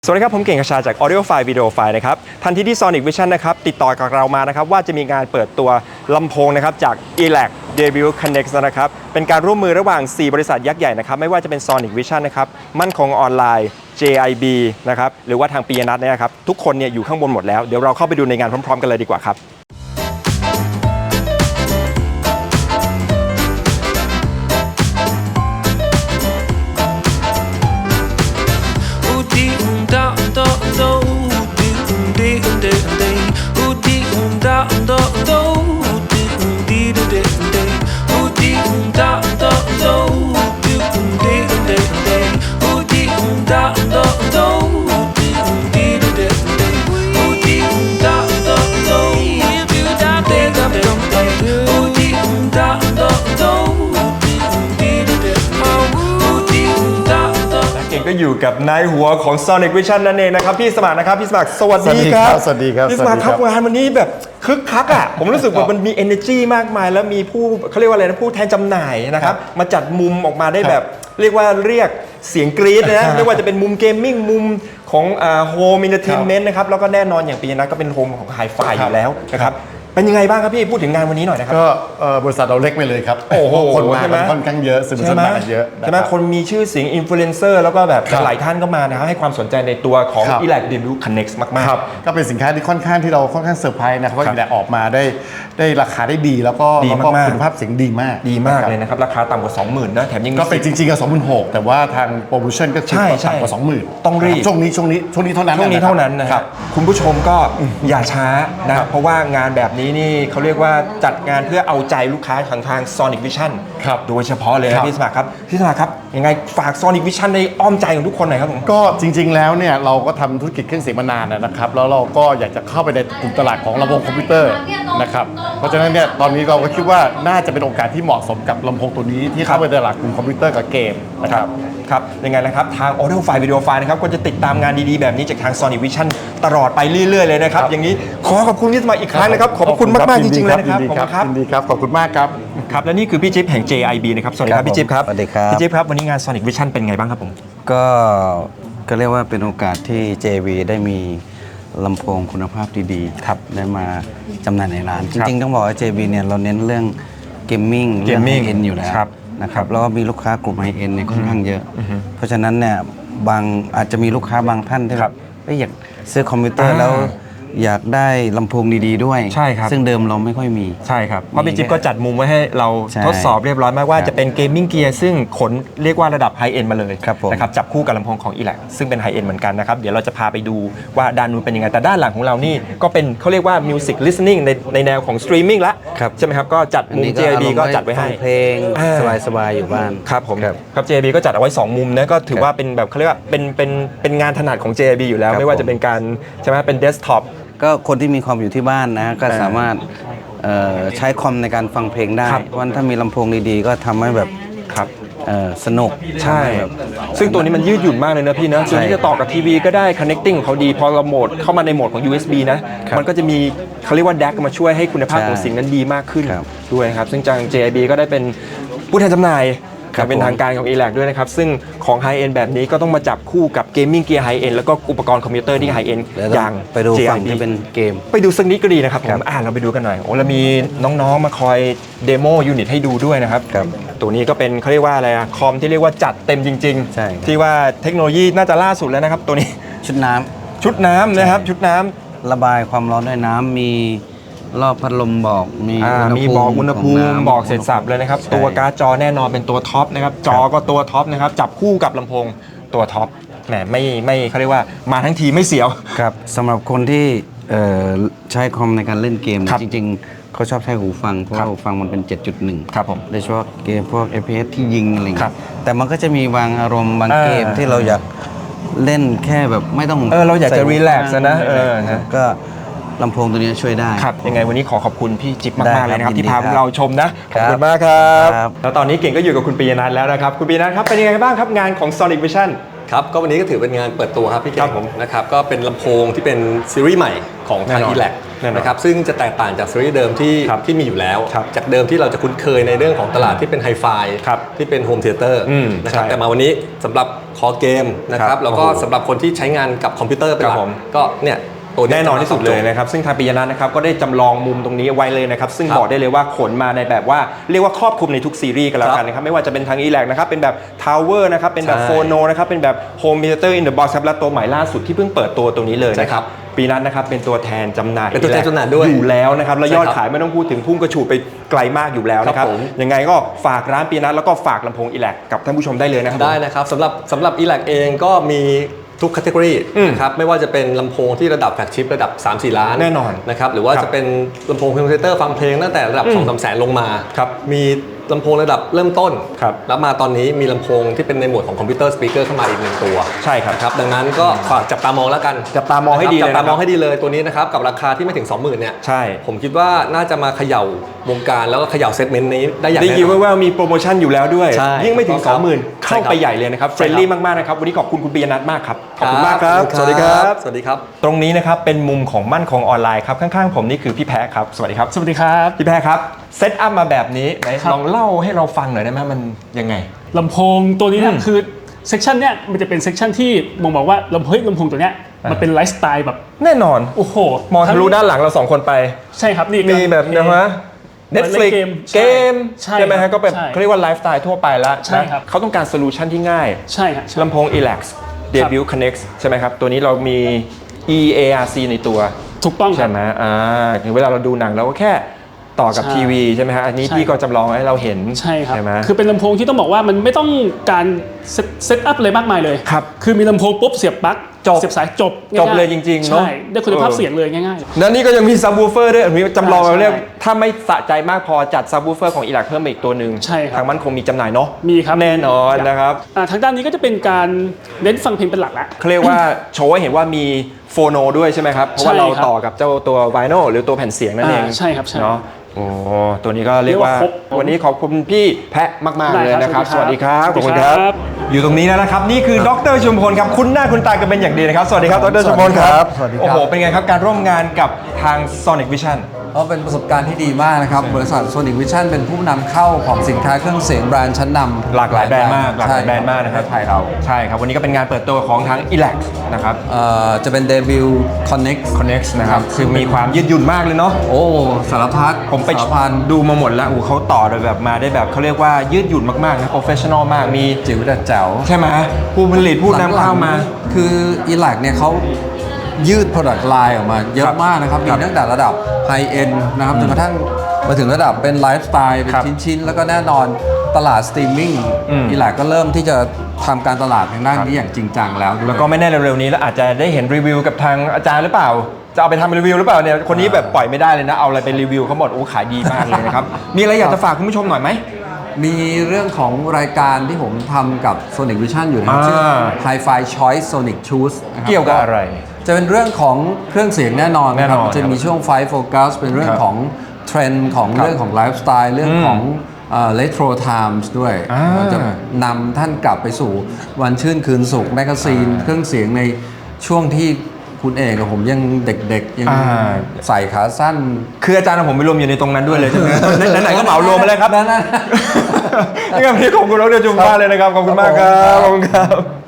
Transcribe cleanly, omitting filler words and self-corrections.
สวัสดีครับผมเก่งกระชาจาก Audio File Video File นะครับทันทีที่ Sonic Vision นะครับติดต่อกับเรามานะครับว่าจะมีงานเปิดตัวลำโพงนะครับจาก ELAC Debut Connect นะครับเป็นการร่วมมือระหว่าง 4 บริษัทยักษ์ใหญ่นะครับไม่ว่าจะเป็น Sonic Vision นะครับมั่นคงออนไลน์ JIB นะครับหรือว่าทางปียนัทเนี่ยครับทุกคนเนี่ยอยู่ข้างบนหมดแล้วเดี๋ยวเราเข้าไปดูในงานพร้อมๆกันเลยดีกว่าครับก็อยู่กับนายหัวของ Sonic Vision นั่นเองนะครับพี่สมัครนะครับพี่สมัครสวัสดีครับสวัสดีครับพี่สมัครครับงานวันนี้แบบคึกคักอ่ะผมรู้สึกว่ามันมี energy มากมายแล้วมีผู้เขาเรียกว่าอะไรนะผู้แทนจำหน่ายนะครับมาจัดมุมออกมาได้แบบเรียกเสียงกรี๊ดนะไม่ว่าจะเป็นมุมเกมมิ่งมุมของโฮมอินเตอร์เทนเมนต์นะครับแล้วก็แน่นอนอย่างปีนั้นก็เป็นโฮมของไฮไฟอยู่แล้วนะครับเป็นยังไงบ้างครับพี่พูดถึงงานวันนี้หน่อยนะครับก็บริษัทเราเล็กไปเลยครับโอ้โหคนมาค่อนข้างเยอะสนุกสนานเยอะใช่ไหมคนมีชื่อเสียงอินฟลูเอนเซอร์แล้วก็แบบหลายท่านก็มานะครับให้ความสนใจในตัวของ ELAC Debut Connect มากๆก็เป็นสินค้าที่ค่อนข้างที่เราค่อนข้างเซอร์ไพรส์นะครับว่า ELAC ออกมาได้ราคาได้ดีแล้วก็คุณภาพเสียงดีมากเลยนะครับราคาต่ำกว่า 20,000 นะแถมยังก็เป็นจริงๆก็ 26,000 แต่ว่าทางโปรโมชั่นก็คือต่ำกว่า 20,000 ต้องรีบช่วงนี้เท่านั้นนะครับคุณผู้ชมก็อย่าช้านะเพราะว่างานแบบนี้นี่เขาเรียกว่าจัดงานเพื่อเอาใจลูกค้าทาง Sonic Vision โดยเฉพาะเลยนะพี่สมัครครับพี่สมัครครับยังไงฝาก Sonic Vision ในอ้อมใจของทุกคนหน่อยครับผมก็จริงๆแล้วเนี่ยเราก็ทำธุรกิจเครื่องเสียงมานานนะครับแล้วเราก็อยากจะเข้าไปในกลุ่มตลาดของลำโพงคอมพิวเตอร์นะครับเพราะฉะนั้นเนี่ยตอนนี้เราก็คิดว่าน่าจะเป็นโอกาสที่เหมาะสมกับลำโพงตัวนี้ที่เข้าไปในตลาดกลุ่มคอมพิวเตอร์กับเกมนะครับยังไงนะครับทาง Audio File Video File นะครับก็จะติดตามงานดีๆแบบนี้จากทาง Sonic Vision ตลอดไปเรื่อยๆเลยนะครับอย่างนี้ขอขอบคุณที่มาอีกครั้งนะครับขอบคุณมากๆจริงๆเลยนะครับยินดีครับขอบคุณมากครับครับและนี่คือพี่จิ๊บแห่ง JIB นะครับสวัสดีครับพี่จิ๊บครับสวัสดีครับพี่จิ๊บครับวันนี้งาน Sonic Vision เป็นไงบ้างครับผมก็เรียกว่าเป็นโอกาสที่ JIB ได้มีลำโพงคุณภาพดีๆครับได้มาจำหน่ายในร้านจริงๆต้องบอกว่า JIB เนี่ยเราเน้นเรื่องเกมมิ่งเรื่องไฮเอ็นอยู่แล้วนะครับแล้วก็มีลูกค้ากลุ่มไฮเอ็นเนี่ยค่อนข้างเยอะเพราะฉะนั้นเนี่ยอาจจะมีลูกค้าบางท่านที่แบบอยากซื้อคอมพิวเตอร์แล้วอยากได้ลำโพงดีๆด้วยใช่ครับซึ่งเดิมเราไม่ค่อยมีใช่ครับเพราะพี่จิ๊บก็จัดมุมไว้ให้เราทดสอบเรียบร้อยมากว่าจะเป็นเกมมิ่งเกียร์ซึ่งขนเรียกว่าระดับไฮเอ็นมาเลยนะครับจับคู่กับลำโพงของ ELAC ซึ่งเป็นไฮเอ็นเหมือนกันนะครับเดี๋ยวเราจะพาไปดูว่าด้านนู้นเป็นยังไงแต่ด้านหลังของเรานี่ก็เป็นเขาเรียกว่า Music Listening ในแนวของ Streaming ละใช่ไหมครับก็จัดมุม JIB ก็จัดไว้ให้เพลงสบายๆอยู่บ้านครับผมครับ JIB ก็จัดเอาไว้2มุมนะก็ถือว่าเป็นแบบเขาเรียกว่าเป็นงานถนัดของ JIB อยู่แล้วไม่ว่าจะเป็นการใช่ไหมเป็นเดสก์ท็อปก็คนที่มีคอมอยู่ที่บ้านนะก็สามารถใช้คอมในการฟังเพลงได้วันถ้ามีลำโพงดีๆก็ทำให้แบบสนุกใช่ซึ่งตัวนี้มันยืดหยุ่นมากเลยนะพี่นะตัวนี้จะต่อกับทีวีก็ได้ connecting ของเขาดีพอเราโหมดเข้ามาในโหมดของ USB นะมันก็จะมีเขาเรียกว่า DAC มาช่วยให้คุณภาพของเสียงนั้นดีมากขึ้นด้วยครับซึ่งทาง JIB ก็ได้เป็นผู้แทนจำหน่ายเป็นทางการของ ELAC ด้วยนะครับซึ่งของ High End แบบนี้ก็ต้องมาจับคู่กับ Gaming Gear High End แล้วก็อุปกรณ์คอมพิวเตอร์ที่ High End อย่างไปดูฝั่งที่เป็นเกมไปดูสักนิดก็ดีนะครับผมเราไปดูกันหน่อยโอ้เรามีน้องๆมาคอยเดโมยูนิตให้ดูด้วยนะครับตัวนี้ก็เป็นเขาเรียกว่าอะไรคอมที่เรียกว่าจัดเต็มจริงๆที่ว่าเทคโนโลยีน่าจะล่าสุดแล้วนะครับตัวนี้ชุดน้ำนะครับชุดน้ำระบายความร้อนด้วยน้ำมีรอบพัดลมบอกมีบอกอุณหภูมิบอกเสร็จสับเลยนะครับตัวการ์ดจอแน่นอนเป็นตัวท็อปนะครับจอก็ตัวท็อปนะครับจับคู่กับลำโพงตัวท็อปแหมไม่เขาเรียกว่ามาทั้งทีไม่เสียวครับสำหรับคนที่ใช้คอมในการเล่นเกมจริงๆเขาชอบใช้หูฟังเพราะหูฟังมันเป็น 7.1 ครับผมโดยเฉพาะเกมพวก FPS ที่ยิงอะไรแต่มันก็จะมีบางอารมณ์บางเกมที่เราอยากเล่นแค่แบบไม่ต้องเราอยากจะรีแลกซ์นะก็ลำโพงตัวนี้ช่วยได้ครับยังไงวันนี้ขอบคุณพี่จิ๊บมากๆเลยนะครับที่พาพวกเราชมนะขอบคุณมากครับแล้วตอนนี้เก่งก็อยู่กับคุณปียนัทแล้วนะครับคุณปียนัทครับเป็นยังไงบ้างครับงานของ Sonic Vision ครับก็วันนี้ก็ถือเป็นงานเปิดตัวครับพี่เก่งนะครับก็เป็นลำโพงที่เป็นซีรีส์ใหม่ของทาง ELAC แน่นอนนะครับซึ่งจะแตกต่างจากซีรีส์เดิมที่มีอยู่แล้ว จากเดิมที่เราจะคุ้นเคยในเรื่องของตลาดที่เป็นไฮไฟที่เป็นโฮมเธียเตอร์นะครับแต่มาวันนี้สำหรับคอเกมนะครับแล้วก็สำหรับคนที่ใช้งานกับคอมพิวเตอร์เป็นหลักก็เนี่ยตัวแน่นอนที่สุดเลยนะครับซึ่งทางปิยนัทนะครับก็ได้จำลองมุมตรงนี้ไว้เลยนะครับซึ่งบอกได้เลยว่าขนมาในแบบว่าเรียกว่าครอบคลุมในทุกซีรีส์กันแล้วกันนะครับไม่ว่าจะเป็นทาง ELAC นะครับเป็นแบบ Tower นะครับเป็นแบบ Phono นะครับเป็นแบบ Home Theater in the Box ครับและตัวใหม่ล่าสุดที่เพิ่งเปิดตัวตรงนี้เลยนะครับปีนัทนะครับเป็นตัวแทนจำหน่ายเป็นตัวแทนจำหน่ายด้วยอยู่แล้วนะครับแล้วยอดขายไม่ต้องพูดถึงพุ่งกระฉูดไปไกลมากอยู่แล้วนะครับยังไงก็ฝากร้านปีนัทแล้วก็ฝากลำโพง ELAC กับท่านผู้ชมได้เลยนะครับได้นะครับสำหรับ ELAC เองก็มีทุกแคตตากรีนะครับไม่ว่าจะเป็นลำโพงที่ระดับแฟลกชิประดับ 3-4 ล้านแน่นอนนะครับหรือว่าจะเป็นลำโพงคอมพิวเตอร์ฟังเพลงตั้งแต่ระดับ 2-3 แสนลงมามีลำโพงระดับเริ่มต้นแล้วมาตอนนี้มีลำโพงที่เป็นในหมวดของคอมพิวเตอร์สปีกเกอร์เข้ามาอีก1ตัวใช่ครับดังนั้นก็ฝากจับตามองแล้วกันจับตามองให้ดีเลยจับตามองให้ดีเลยตัวนี้นะครับกับราคาที่ไม่ถึง 20,000เนี่ยใช่ผมคิดว่าน่าจะมาเขย่าวงการแล้วก็เขย่าเซกเมนต์นี้ได้อย่างแน่นอนได้ยินว่ามีโปรโมชั่นอยู่แล้วด้วยยิ่งไม่ถึง 20,000 เข้าไปใหญ่เลยนะครับเฟรนลี่มากๆนะครับวันนี้ขอบคุณคุณปิยนัทมากครับขอบคุณมากครับสวัสดีครับสวัสดีครับตรงนี้นะครับเป็นมุมของมั่นคงออนไลน์ครับข้างๆผมนี่คือพี่แพ้ครับสวัสดีครับสวัสดีครับพี่แพ้ครับเซตอัพมาแบบนี้ไหนลองเล่าให้เราฟังหน่อยได้ไหมมันยังไงลำโพงตัวนี้นะคือเซกชันเนี้ยมันจะเป็นเซกชันที่มองบอกว่าลำโพงตัวเนี้ยมันเป็นไลฟ์สไตล์แบบแน่นอนโอ้โหมองทะลุด้านหลังเรา2คนไปใช่ครับนี่มีแบบนะฮะ Netflix เกมใช่ไหมฮะก็แบบเขาเรียกว่าไลฟ์สไตล์ทั่วไปแล้วนะเขาต้องการโซลูชันที่ง่ายใช่ครับลำโพง ELAC Debut Connect ใช่ไหมครับตัวนี้เรามี EARC ในตัวถูกต้องใช่ไหมเวลาเราดูหนังเราก็แค่ต่อกับทีวีใช่ไหมฮะอันนี้พี่ก็จำลองให้เราเห็นใช่ครับคือเป็นลำโพงที่ต้องบอกว่ามันไม่ต้องการเซตอัพเลยมากมายเลยครับคือมีลำโพงปุ๊บเสียบปลั๊กเสียบสายจบเลยจริงๆใช่ได้คุณภาพเสียงเลยง่ายๆแล้วนี่ก็ยังมีซับวูเฟอร์ด้วยมีจำลองเราเรียกถ้าไม่สะใจมากพอจัดซับวูเฟอร์ของELACเพิ่มอีกตัวหนึ่งใช่ครับทางมันคงมีจำหน่ายเนาะมีครับแน่นอนนะครับทางด้านนี้ก็จะเป็นการเน้นฟังเพลงเป็นหลักละเขาเรียกว่าโชว์ให้เห็นว่ามีโฟโนด้วยใช่ไหมครับเพราะว่าเราต่อกับเจ้าตัวไวโนหรือตัวแผ่นเสียงนั่นเองใช่ครับใช่เนาะโอ้ตัวนี้ก็เรียกว่าวันนี้ขอบคุณพี่แพะมากๆเลยนะครับสวัสดีครับขอบคุณครับอยู่ตรงนี้แล้วนะครับนี่คือดร.ชุมพลครับคุ้นหน้าคุ้นตากันเป็นอย่างดีนะครับสวัสดีครับดร.ชุมพลครับโอ้โหเป็นไงครับการร่วมงานกับทาง Sonic Vision ก็เป็นประสบการณ์ที่ดีมากนะครับบริษัท Sonic Vision เป็นผู้นำเข้าของสินค้าเครื่องเสียงแบรนด์ชั้นนำหลากหลายแบรนด์มากนะครับไทยเราใช่ครับวันนี้ก็เป็นงานเปิดตัวของทาง ELAC นะครับจะเป็น Debut Connect นะครับคือมีความยืดหยุ่นมากเลยเนาะโอ้สารพัดผมไปดูมาหมดแล้วเขาต่อโดยแบบมาได้แบบเขาเรียกว่ายืดหยุ่นมากๆนะ professional มากมีจิ๋วแต่แจ๋วใช่ไหมผู้ผลิตผู้นำเข้ามาคือ ELAC เนี่ยเขายืด product line ออกมาเยอะมากนะครับมีตั้งแต่ระดับ high end นะครับจนกระทั่งมาถึงระดับเป็นไลฟ์สไตล์เป็นชิ้นๆแล้วก็แน่นอนตลาดสตรีมมิ่งELACก็เริ่มที่จะทำการตลาดทางด้านนี้อย่างจริงจังแล้วก็ไม่แน่เร็วๆนี้แล้วอาจจะได้เห็นรีวิวกับทางอาจารย์หรือเปล่าจะเอาไปทำรีวิวหรือเปล่าเนี่ยคนนี้แบบปล่อยไม่ได้เลยนะเอาอะไรไปรีวิวเขาหมดโอ้ขายดีมากเลยนะครับมีอะไรอยากจะฝากคุณผู้ชมหน่อยไหมมีเรื่องของรายการที่ผมทำกับ Sonic Vision อยู่นะชื่อ Hi-Fi Choice Sonic Choose เกี่ยวกับอะไรจะเป็นเรื่องของเครื่องเสียงแน่นอนครับจะมีช่วงไฟโฟกัสเป็นเรื่องของเทรนด์ของเรื่องของไลฟ์สไตล์เรื่องของRetro Times ด้วยจะนำท่านกลับไปสู่วันชื่นคืนสุขแมกกาซีนเครื่องเสียงในช่วงที่คุณเอกกับผมยังเด็กๆยังใส่ขาสั้นคืออาจารย์ของผมไปรวมอยู่ในตรงนั้นด้วยเลยใช่ไหมไหนๆก็เหมารวมมาเลยครับนั่นนี่ก็พี่ขอบคุณดร.ชุมพลเลยนะครับขอบคุณมากครับขอบคุณครับ